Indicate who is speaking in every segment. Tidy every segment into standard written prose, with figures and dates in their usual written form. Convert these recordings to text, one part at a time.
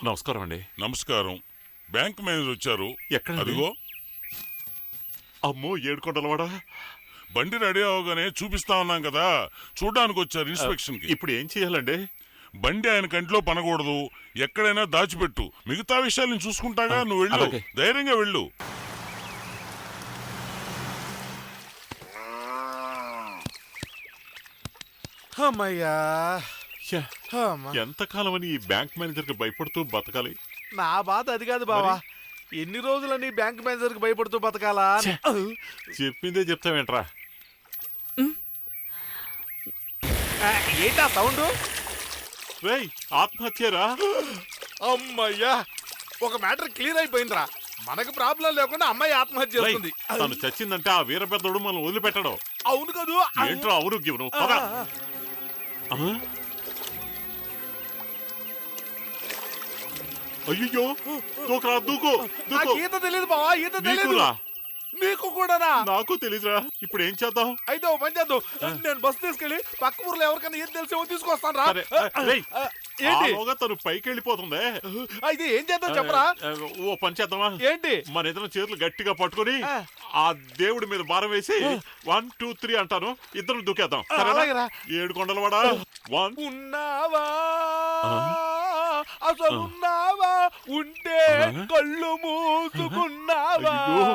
Speaker 1: నమస్కారం అండి.
Speaker 2: నమస్కారం. బ్యాంక్ మేనేజర్ వచ్చారు.
Speaker 1: ఎక్కడ?
Speaker 2: అదిగో.
Speaker 1: అమ్మో, ఏడుకొండలవాడా.
Speaker 2: బండి రెడీ అవగానే చూపిస్తా ఉన్నాం కదా, చూడ్డానికి వచ్చారు ఇన్స్పెక్షన్ కి.
Speaker 1: ఇప్పుడు ఏం చేయాలండి?
Speaker 2: బండి ఆయన కంట్లో పనకూడదు, ఎక్కడైనా దాచిపెట్టు. మిగతా విషయాలు నేను చూసుకుంటాగా, నువ్వు వెళ్ళు.
Speaker 1: అలాగే.
Speaker 2: ధైర్యంగా వెళ్ళు.
Speaker 3: అమ్మయ్యా,
Speaker 1: ఛే,
Speaker 3: అమ్మా.
Speaker 1: ఎంతకాలం అని ఈ బ్యాంక్ మేనేజర్ కి భయపడుతూ బతకాలి?
Speaker 3: నా బాధ అది కాదు బావా. ఎన్ని రోజులని బ్యాంక్ మేనేజర్ కి భయపడుతూ బతకాలా అని.
Speaker 1: చెప్పిందే చెప్తావేంట్రా?
Speaker 3: ఏంటా సౌండ్?
Speaker 1: రేయ్, ఆత్మహత్యరా?
Speaker 3: అమ్మయ్యా, ఒక మ్యాటర్ క్లియర్ అయిపోయిందిరా. మనకు ప్రాబ్లం లేకుండా అమ్మాయి ఆత్మహత్య
Speaker 1: రేయ్,
Speaker 3: చేస్తుంది.
Speaker 1: తను చచ్చిందంటే ఆ వీర పెద్దోడు మనం వదిలిపెట్టడం.
Speaker 3: అవును కదూ.
Speaker 1: ఏంట్రా ఆరోగ్యం? నువ్వు పద. అయ్యో, దూకురా, దూకు,
Speaker 3: నాకు
Speaker 1: దూకు.
Speaker 3: ఈత తెలియదు బావా, ఈత తెలియదు.
Speaker 1: నీకురా?
Speaker 3: నీకు కూడానా?
Speaker 1: నాకు తెలీదురా. ఇప్పుడు ఏం చేద్దాం?
Speaker 3: అయితే ఓ పని చేద్దాం, నేను బస్సు తీసుకెళ్ళి పక్క ఊర్లో ఎవరికైనా ఏం తెలిసేమో తీసుకొస్తాను రా.
Speaker 1: సరే, రేయ్,
Speaker 3: ఏంటి?
Speaker 1: ఆలోగా తను పైకి వెళ్ళిపోతుంది.
Speaker 3: అయితే ఏం చేద్దాం చెప్పరా?
Speaker 1: ఓ పని చేద్దామా?
Speaker 3: ఏంటి?
Speaker 1: మన ఇద్దరం చేతులు గట్టిగా పట్టుకొని ఆ దేవుడి మీద భారం వేసి 1 2 3 అంటాను, ఇద్దరు దూకేద్దాం.
Speaker 3: అలాగేరా.
Speaker 1: 7 కొండలవాడా. 1
Speaker 3: ఉన్నావా అసలున్నావా, ఉంటే కళ్ళు మూసుకున్నావా.
Speaker 1: అయ్యో.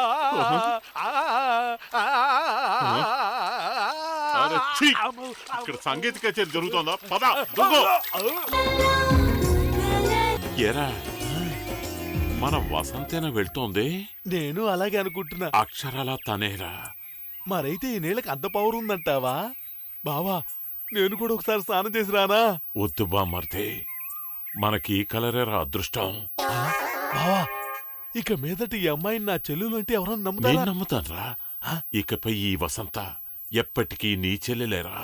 Speaker 1: అరే, ఛీ! ఇక్కడ సంగీత కచేరీ జరుగుతోందా? పద, దూకు. ఏరా, మన వసంతేనా వెళ్తోంది?
Speaker 3: నేను అలాగే అనుకుంటున్నా.
Speaker 1: అక్షరాల తనేరా.
Speaker 3: మరైతే ఈ నీళ్ళకి అంత పవర్ ఉందంటావా? బావా, నేను కూడా ఒకసారి స్నానం చేసి రానా?
Speaker 1: వద్దు బామర్దే, మనకి ఈ కలరేరా అదృష్టం.
Speaker 3: బావా, ఇక మీదటి ఈ అమ్మాయిని నా చెల్లెలు అంటే ఎవరన్నా
Speaker 1: నేను
Speaker 3: నమ్ముతారా?
Speaker 1: నమ్ముతాన్రా. ఇకపై ఈ వసంత ఎప్పటికీ నీ చెల్లెలేరా.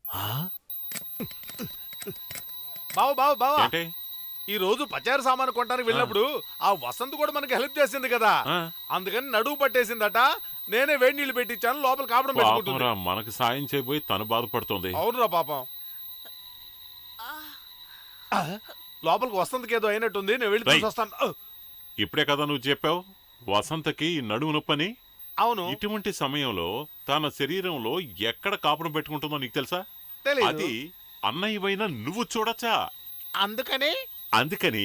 Speaker 3: బావా బావా బావా,
Speaker 1: ఏంటి?
Speaker 3: ఈ రోజు పచారు సామాను కొనడానికి వెళ్ళినప్పుడు ఆ వసంత్ కూడా మనకి హెల్ప్ చేసింది కదా,
Speaker 1: ఆ?
Speaker 3: అందుకని నడువు పట్టేసిందట. నేనే వేడి నీళ్లు పెట్టించాను, లోపల కాపడం పెట్టుకుంటుంది.
Speaker 1: పాపంరా, మనకి సాయం చేయబోయి తను బాధపడుతుంది.
Speaker 3: అవునురా పాపం. లోపలికి వసంతకి ఏదో అయినట్టుంది, నేను వెళ్ళి
Speaker 1: రేయ్.
Speaker 3: చూసొస్తాను.
Speaker 1: ఇప్పుడే కదా నువ్వు చెప్పావు వసంతకి నడుము నొప్పని.
Speaker 3: అవును,
Speaker 1: ఇటువంటి సమయంలో తన శరీరంలో ఎక్కడ కాపురం పెట్టుకుంటుందో నీకు తెలుసా?
Speaker 3: తెలీదు.
Speaker 1: అది అన్నయ్యవైనా నువ్వు చూడచ్చా.
Speaker 3: అందుకని
Speaker 1: అందుకని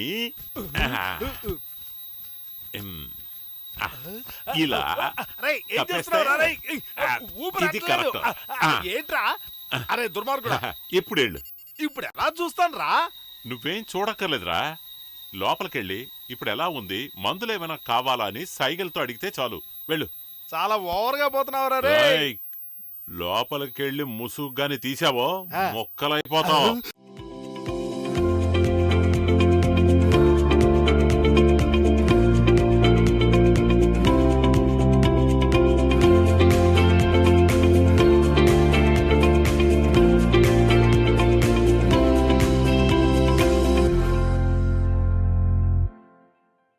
Speaker 1: ఇలా
Speaker 3: రేయ్, ఏం
Speaker 1: తప్పేస్తే?
Speaker 3: చేస్తున్నావురా రేయ్? ఊపిరి
Speaker 1: ఇది
Speaker 3: ఆడట్లేదు.
Speaker 1: కరెక్ట్.
Speaker 3: ఏంట్రా? అరే దుర్మార్గుడా,
Speaker 1: ఎప్పుడేళ్ళు
Speaker 3: ఇప్పుడు ఎలా చూస్తాను రా?
Speaker 1: నువ్వేం చూడక్కర్లేదురా. లోపలికెళ్ళి ఇప్పుడు ఎలా ఉంది, మందులేమైనా కావాలా అని సైగలతో అడిగితే చాలు. వెళ్ళు.
Speaker 3: చాలా ఓవర్గా పోతున్నావురా రే.
Speaker 1: లోపలికెళ్ళి ముసుగ్గాని తీసావో మొక్కలైపోతావు.